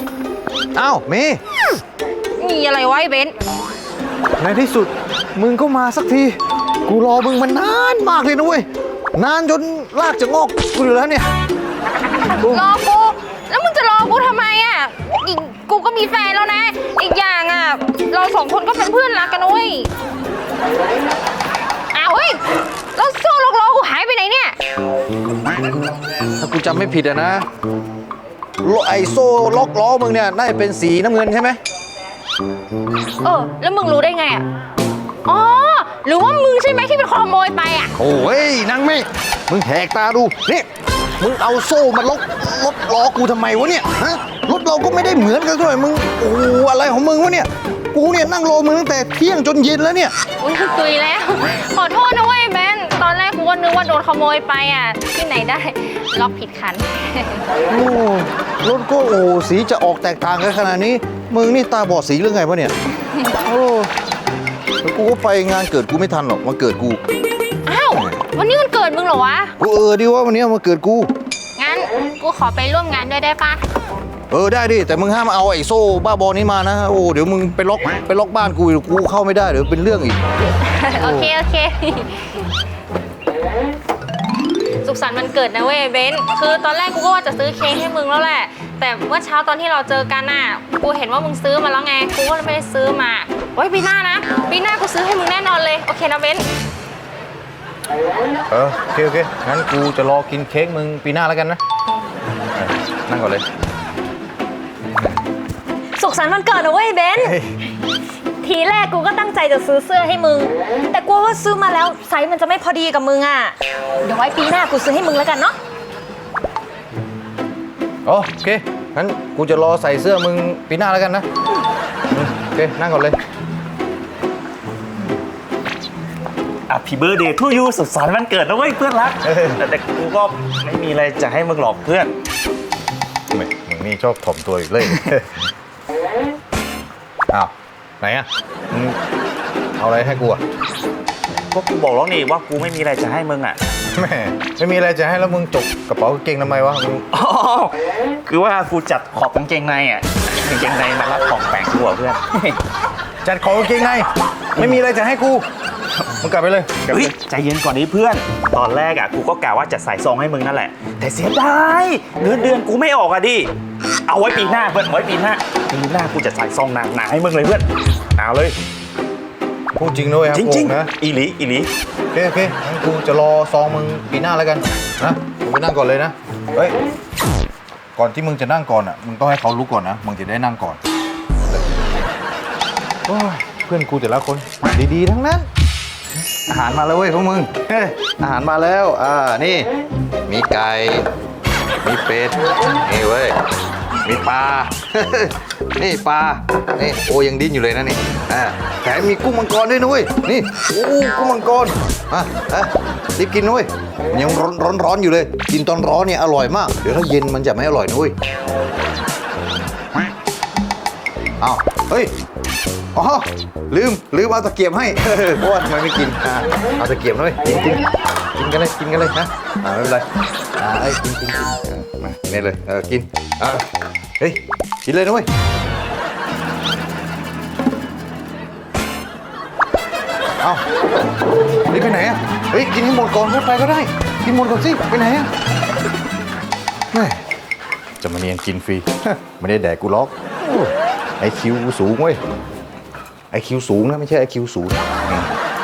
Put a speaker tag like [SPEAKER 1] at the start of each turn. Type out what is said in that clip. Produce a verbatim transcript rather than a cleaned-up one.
[SPEAKER 1] อ้าวเมย์
[SPEAKER 2] มีอะไรวะไอ้เบน
[SPEAKER 1] ในที่สุดมึงก็มาสักทีกูรอมึงมานานมากเลยนะเว้ยนานจนลากจะงอกกูอยู่แล้วเนี่ย
[SPEAKER 2] รอกูแล้วมึงจะรอกูทำไมอ่ะอีกกูก็มีแฟนแล้วนะอีกอย่างอ่ะเราสองคนก็เป็นเพื่อนรักกันนะเว้ยอ้าวเฮ้ยแล้วโซ่ล็อกล้อกูหายไปไหนเนี่ย
[SPEAKER 1] ถ้ากูจำไม่ผิดอะนะไอโซ่ล็อกล้อมึงเนี่ยน่าจะเป็นสีน้ำเงินใช่ไหม
[SPEAKER 2] เออแล้วมึงรู้ได้ไงอ่ะอ๋อหรือว่ามึงใช่ไหมที่เป็นคนขโมยไปอ่ะ
[SPEAKER 1] โอ้ยนางไม่มึงแหกตาดูนี่มึงเอาโซ่มาล็อกรถล้อกูทำไมวะเนี่ยฮะรถเราก็ไม่ได้เหมือนกันด้วยมึงโอ้อะไรของมึงวะเนี่ยกูเนี่ยนั่งรอมึงตั้งแต่เที่ยงจนเย็นแล้วเนี่ย
[SPEAKER 2] อุ้ยตุยแล้วขอโทษนะเว้ยแบนตอนแรกกูก็นึกว่าโดนขโมยไปอ่ะที่ไหนได้ล็อกผิดคัน
[SPEAKER 1] โอ้รถก็โอ้สีจะออกแตกต่างกันขนาดนี้มึงนี่ตาบอดสีหรือไงวะเนี่ยโอ้แล้วกูก็ไปงานเกิดกูไม่ทันหรอกมาเกิดกู
[SPEAKER 2] อ้าววันนี้มันเกิดมึงเหรอวะ
[SPEAKER 1] กูเออดิว่าวันนี้มาเกิดกู
[SPEAKER 2] งั้นกูขอไปร่วมงานด้วยได้ปะ
[SPEAKER 1] เออได้ดิแต่มึงห้ามเอาไอ้โซ่บ้าบอนี้มานะโอ้เดี๋ยวมึงไปล็อกไปล็อกบ้านกูกูเข้าไม่ได้เดี๋ยวเป็นเรื่องอีก
[SPEAKER 2] โอเคโอเคสุขสันต์วันเกิดนะเว้ยเบนคือตอนแรกกูก็ว่าจะซื้อเค้กให้มึงแล้วแหละแต่เมื่อเช้าตอนที่เราเจอกันน่ะกูเห็นว่ามึงซื้อมาแล้วไงกูก็เลยไม่ได้ซื้อมาไว้ปีหน้านะปีหน้ากูซื้อให้มึงแน่นอนเลยโอเคนะเบน
[SPEAKER 1] เออโอเคโอเคงั้นกูจะรอกินเค้กมึงปีหน้าแล้วกันนะนั่งก่อนเลย
[SPEAKER 3] สุขสันต์วันเกิดนะเว้ยเบนทีแรกกูก็ตั้งใจจะซื้อเสื้อให้มึงแต่กลัวว่าซื้อมาแล้วไซส์มันจะไม่พอดีกับมึงอ่ะเดี๋ยวไว้ปีหน้ากูซื้อให้มึงแล้วกันเนาะ
[SPEAKER 1] โอเคงั้นกูจะรอใส่เสื้อมึงปีหน้าแล้วกันนะโอเคนั่งก่อนเลย
[SPEAKER 4] อ่ะพี่เบิร์ดเดย์ทูยูสุขสันต์วันเกิดนะเว้ยเพื่อนรักแต่แต่กูก็ไม่มีอะไรจะให้มึงหรอกเพื่อน
[SPEAKER 1] ไม่มึงนี่ชอบถ่อมตัวอีกเลยอ้าวไหนอ่ะมึงเอาอะไรให้กูอ่ะ
[SPEAKER 4] ก็กูบอกแล้วนี่ว่ากูไม่มีอะไรจะให้มึงอ่ะ
[SPEAKER 1] แม่ไม่มีอะไรจะให้แล้วมึงจกกระเป๋ากางเกงทำไมวะมึง
[SPEAKER 4] อ๋อคือว่ากูจัดขอบกางเกงในอ่ะกางเกงในมารับของแต่งกูอ่ะเพื่อน
[SPEAKER 1] จัดของกางเกงในไม่มีอะไรจะให้กูมึงกลับไปเลย
[SPEAKER 4] เฮ้ยใจเย็นก่อนนี้เพื่อนตอนแรกอ่ะกูก็กะว่าจะใส่ซองให้มึงนั่นแหละแต่เสียดายเงินเดือนกูไม่ออกอ่ะดิเอาไว้ปีหน้าเพื่อนไว้ปีหน้าปีหน้ากูจะใส่ซองหนาๆให้มึงเลยเพื่อนเอาเลย
[SPEAKER 1] พูดจริงด้วยครับ
[SPEAKER 4] จริงๆนะอีหลีอีหลี
[SPEAKER 1] โอเคโอเคงั้นกูจะรอซองมึงปีหน้าแล้วกันนะมึงไปนั่งก่อนเลยนะเฮ้ยก่อนที่มึงจะนั่งก่อนอ่ะมึงต้องให้เขารู้ก่อนนะมึงจะได้นั่งก่อนโอ้ยเพื่อนกูแต่ละคนดีๆทั้งนั้นอาหารมาแล้วเว้ยพวกมึงอาหารมาแล้วอ่านี่มีไก่มีเป็ดนี่เว้ยมีปลานี่ปลานี่โอยังดิ้นอยู่เลยนะนี่อ่าแถมมีกุ้งมังกรด้วยนุ้ยนี่โอ้กุ้งมังกรอ่ะอ่ะรีบกินนุ้ยยังร้อนร้อนร้อนอยู่เลยกินตอนร้อนเนี่ยอร่อยมากเดี๋ยวถ้าเย็นมันจะไม่อร่อยนุ้ยอ้าวเฮ้ยอ๋อลืมลืมเอาตะเกียบให้เพราะว่าทำไมไม่กินอ่าเอาตะเกียบหน่อยกินกินกินกันเลยกินกันเลยนะอ่าไม่เป็นไรอ่าไอ้กินกินกินมาเนี่ยเลยเออกินอ่าเฮ้ยกินเลยนะเว้ยเอานี่ไปไหนอ่ะเฮ้ยกินให้หมดก่อนพูดไปก็ได้กินหมดก่อนสิไปไหนอ่ะแม่จะมาเนียนกินฟรีไม่ได้แดกกูล็อกไอคิวกูสูงเว้ยไอคิวสูงนะไม่ใช่ไอคิวสูง